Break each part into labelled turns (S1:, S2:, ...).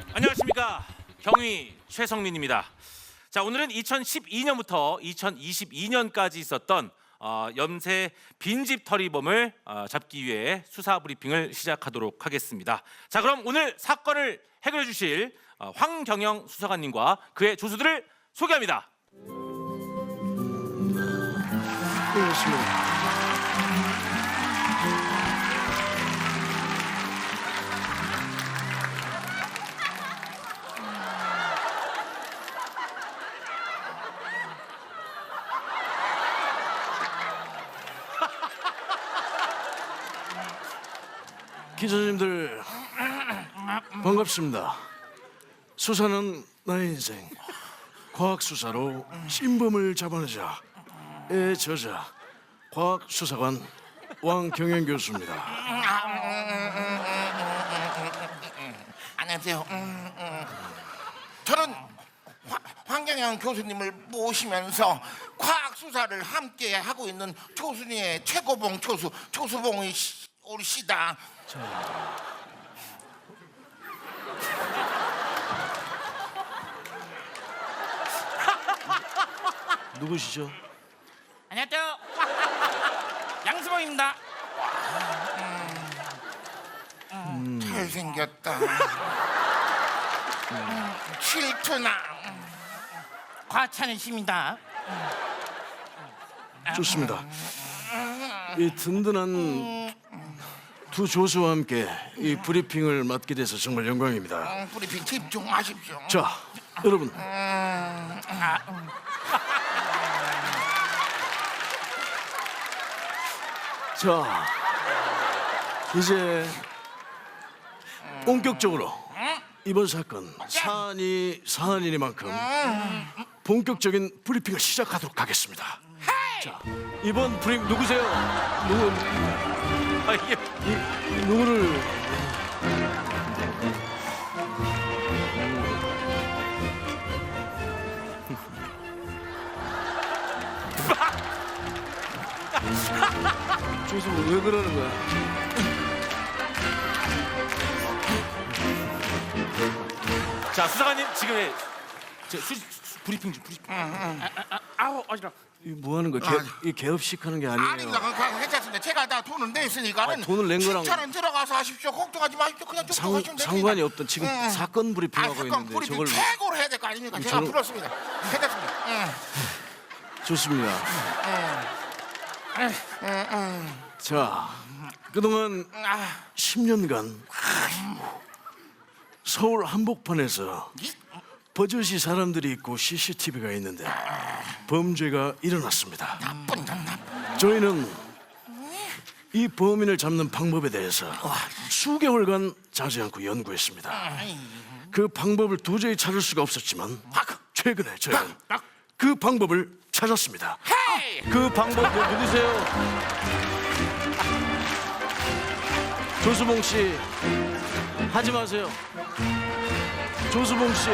S1: 안녕하십니까, 경위 최성민입니다. 자, 오늘은 2012년부터 2022년까지 있었던 염세 빈집 터리범을 잡기 위해 수사 브리핑을 시작하도록 하겠습니다. 자, 그럼 오늘 사건을 해결해 주실 황경영 수사관님과 그의 조수들을 소개합니다.
S2: 반갑습니다. 기자님들 반갑습니다. 수사는 나의 인생. 과학 수사로 신범을 잡아내자의 저자 과학 수사관 왕경영 교수입니다.
S3: 안녕하세요. 저는 황경영 교수님을 모시면서 과학 수사를 함께 하고 있는 조순이의 최고봉 조수 조수봉이 오시다.
S2: 누구시죠?
S4: 안녕하세요. 양수봉입니다.
S3: 잘생겼다. 질투나.
S4: 과찬이십니다.
S2: 좋습니다. 이 든든한 두 조수와 함께 이 브리핑을 맡게 돼서 정말 영광입니다.
S3: 브리핑 집중하십시오.
S2: 자, 여러분. 자, 이제 본격적으로 이번 사건 사안이니만큼 본격적인 브리핑을 시작하도록 하겠습니다. 자, 이번 브리핑 누구세요?
S1: 이게
S2: 누구를 조수 왜 그러는 거야?
S1: 자, 수사관님 지금 브리핑 좀 브리핑.
S4: 아우 어지러.
S2: 이 뭐 하는 거야? 이 개업식 하는 게 아니에요.
S3: 아닙니다. 괜찮습니다. 제가 다 돈을 냈으니까는
S2: 돈을 낸 거랑
S3: 7,000원 들어가서 하십시오. 걱정하지 마십시오. 그냥 좀 들어가시면 됩니다.
S2: 상관이 없던 지금 사건 브리핑하고
S3: 사건
S2: 있는데
S3: 브리핑
S2: 저걸
S3: 최고로 해야 될 거 아닙니까? 제가
S2: 저는-
S3: 불렀습니다. 괜찮습니다.
S2: 좋습니다. 자, 그동안 10년간 서울 한복판에서 버젓이 사람들이 있고 CCTV가 있는데 범죄가 일어났습니다.
S3: 나쁜 놈, 나쁜.
S2: 저희는 이 범인을 잡는 방법에 대해서 수개월간 자지 않고 연구했습니다. 그 방법을 도저히 찾을 수가 없었지만 최근에 저희는 그 방법을 찾았습니다.
S3: 헤이!
S2: 그 방법 누구세요? 조수봉 씨 하지 마세요. 조수봉 씨.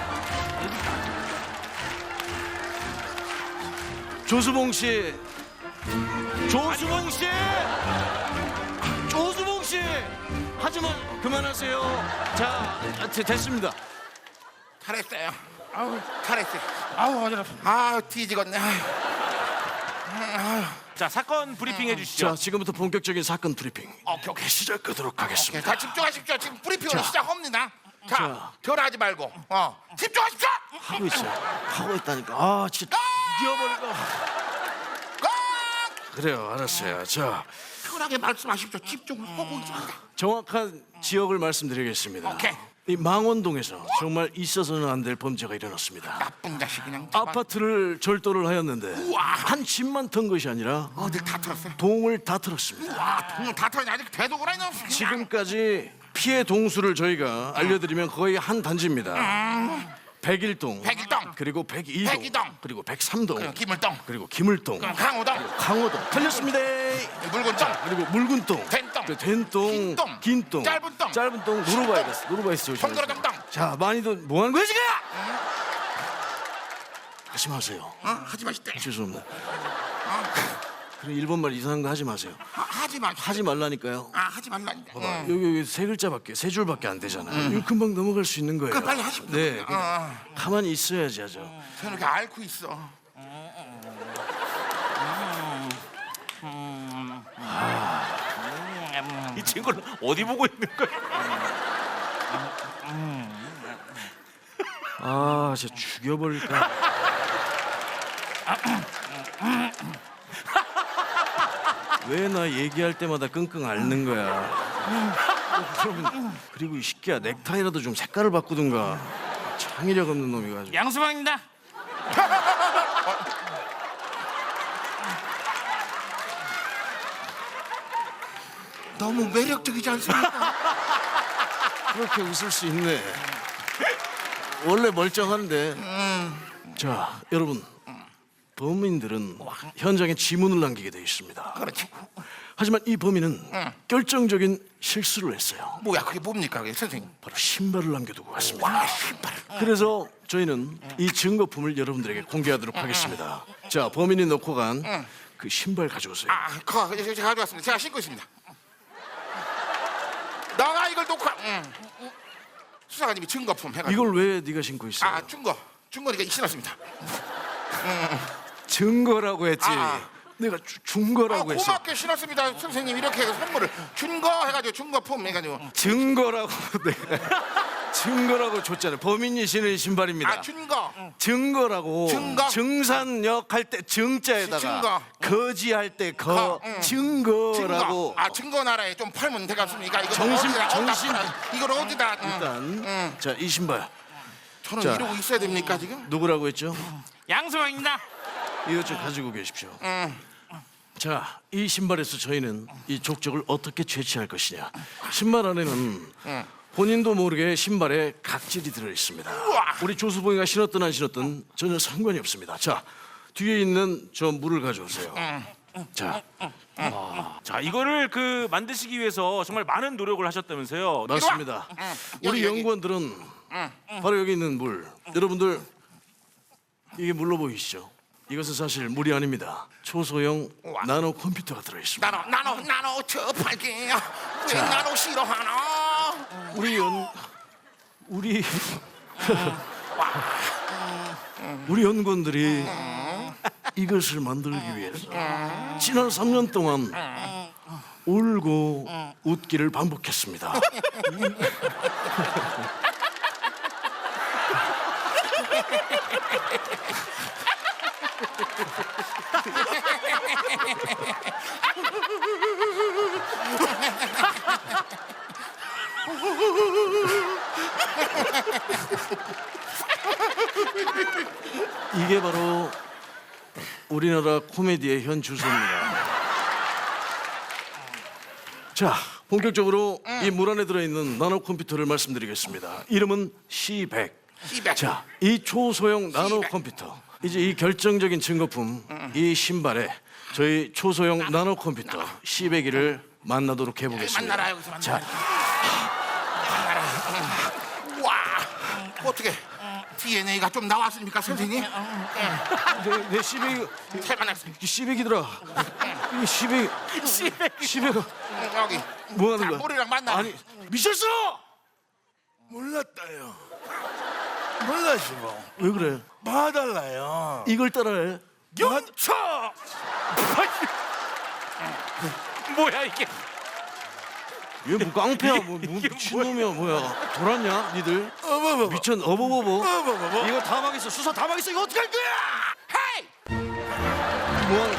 S2: 조수봉 씨. 조수봉 씨. 조수봉 씨. 하지 마. 그만하세요. 자, 됐습니다.
S3: 잘했어요. 아우, 잘했어요.
S4: 아우 어지러.
S3: 아, 뒤지겠네.
S1: 자, 사건 브리핑 해주시죠.
S2: 자, 지금부터 본격적인 사건 브리핑
S3: 오케이.
S2: 시작하도록 하겠습니다.
S3: 다 집중하십시오. 지금 브리핑을 시작합니다. 자,
S2: 자.
S3: 덜하지 말고 집중하십시오.
S2: 하고 있어요. 하고 있다니까. 아, 진짜 이어버릴까.
S3: 꼭
S2: 그래요, 알았어요. 자,
S3: 편하게 말씀하십시오. 집중을 하고 있습니다.
S2: 정확한 지역을 말씀드리겠습니다.
S3: 오케이.
S2: 이 망원동에서 정말 있어서는 안 될 범죄가 일어났습니다.
S3: 나쁜 자식 그냥.
S2: 아파트를 절도를 하였는데
S3: 우와.
S2: 한 집만 턴 것이 아니라
S3: 어딜 다 털었어요?
S2: 동을 다 털었습니다.
S3: 와, 돈을 다 털었네. 아직 되도록 하네.
S2: 지금까지 피해 동수를 저희가 알려드리면 거의 한 단지입니다. 101동,
S3: 101동.
S2: 그리고 102동,
S3: 102동.
S2: 그리고 103동,
S3: 기물동,
S2: 그리고 기물동,
S3: 강호동,
S2: 강호동. 틀렸습니다.
S3: 묽은동,
S2: 그리고 묽은동,
S3: 된동,
S2: 그 된동,
S3: 긴동,
S2: 긴동,
S3: 짧은 동,
S2: 짧은 동, 노르바이러스, 노르바이러스 조심하세요.
S3: 동그라동동.
S2: 자, 많이들 뭐 하는 거야 지금? 하지 마세요.
S3: 하지 마시대.
S2: 죄송합니다. 그럼 일본말 이상한 거 하지 마세요.
S3: 하지
S2: 하지 말라니까요.
S3: 하지 말라니까.
S2: 여기 세 글자밖에 세 줄밖에 안 되잖아요. 이거 금방 넘어갈 수 있는 거예요.
S3: 그럼 빨리 하십시오.
S2: 네, 가만히 있어야지 하죠.
S3: 저는 이렇게 앓고 있어.
S1: 이 친구는 어디 보고 있는 거야?
S2: 아, 진짜 죽여버릴까. 왜 나 얘기할 때마다 끙끙 앓는 거야? 그리고 이 새끼야 넥타이라도 좀 색깔을 바꾸든가. 창의력 없는 놈이 가지고.
S4: 양수방입니다.
S3: 너무 매력적이지 않습니까?
S2: 그렇게 웃을 수 있네. 원래 멀쩡한데. 자, 여러분. 범인들은 현장에 지문을 남기게 돼 있습니다.
S3: 그렇지.
S2: 하지만 이 범인은 결정적인 실수를 했어요.
S3: 뭐야 그게 뭡니까 그게 선생님?
S2: 바로 신발을 남겨두고 갔습니다.
S3: 와 신발.
S2: 그래서 저희는 이 증거품을 여러분들에게 공개하도록 하겠습니다. 자, 범인이 놓고 간 그 신발 가져오세요.
S3: 그거 제가 가져왔습니다. 제가 신고 있습니다. 너가 이걸 놓고 수사관님이 증거품 해가지고.
S2: 이걸 왜 네가 신고 있어?
S3: 증거니까 신었습니다.
S2: 증거라고 했지. 내가 준 거라고 했어.
S3: 고맙게 신었습니다. 선생님 이렇게 해서 선물을 증거 해가지고 증거품 해가지고.
S2: 증거라고 내가 증거라고 줬잖아요. 범인이 신은 신발입니다. 증거라고.
S3: 증거.
S2: 증산역 할 때 증자에다가
S3: 증거.
S2: 거지할 때 증거라고.
S3: 증거 나라에 좀 팔면 되겠습니까? 이거
S2: 정신.
S3: 이걸 어디다?
S2: 일단 자, 이 신발
S3: 저는
S2: 자.
S3: 이러고 있어야 됩니까 지금?
S2: 누구라고 했죠?
S4: 양수방입니다.
S2: 이것 좀 가지고 계십시오. 자, 이 신발에서 저희는 이 족적을 어떻게 채취할 것이냐. 신발 안에는 본인도 모르게 신발에 각질이 들어 있습니다. 우리 조수봉이가 신었든 안 신었든 전혀 상관이 없습니다. 자, 뒤에 있는 저 물을 가져오세요. 자,
S1: 자, 이거를 그 만드시기 위해서 정말 많은 노력을 하셨다면서요?
S2: 맞습니다. 우리
S3: 여기.
S2: 연구원들은 바로 여기 있는 물. 여러분들 이게 물로 보이시죠? 이것은 사실 물이 아닙니다. 초소형 나노 컴퓨터가 들어 있습니다.
S3: 나노 접할게요. 왜 나노 싫어하나?
S2: 우리 연구원들이 이것을 만들기 위해서 지난 3년 동안 울고 웃기를 반복했습니다. 이게 바로 우리나라 코미디의 현 주소입니다. 자, 본격적으로 이 물 안에 들어있는 나노 컴퓨터를 말씀드리겠습니다. 이름은 C100.
S3: C100.
S2: 자, 이 초소형 나노 컴퓨터. 이제 이 결정적인 증거품, 이 신발에 저희 초소형 나노 컴퓨터 C100을 만나도록 해보겠습니다.
S3: 만나라 여기서 만나라.
S2: 자,
S3: 와 어떻게 DNA가 좀 나왔습니까 선생님?
S2: 내 C100이
S3: 잘 만났습니다.
S2: C100이더라. 이 C100가
S3: 여기
S2: 뭐 하는
S3: 자,
S2: 거야?
S3: 머리랑 만나.
S2: 아니, 미쳤어!
S5: 몰랐다요. 몰랐어.
S2: 왜 그래?
S5: 봐달라요.
S2: 이걸 따라해.
S5: 영차.
S1: 뭐야 이게?
S2: 얘 뭐 깡패야, 뭐 미친놈이야, 뭐야? 돌았냐, 니들?
S5: 어버버버.
S2: 미쳤, 어버버버.
S5: 어버버버.
S2: 이거 다 망했어. 수사 다 망했어. 이거 어떻게 할 거야?
S3: 헤이!
S2: 뭐하는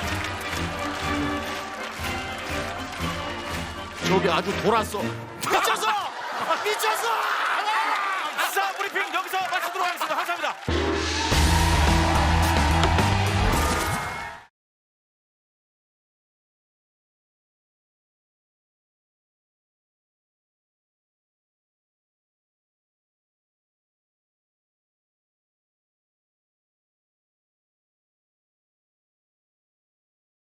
S2: 저기 아주 돌았어. 미쳤어! 미쳤어!
S1: 수사 브리핑 여기서 마치도록 하겠습니다. 감사합니다.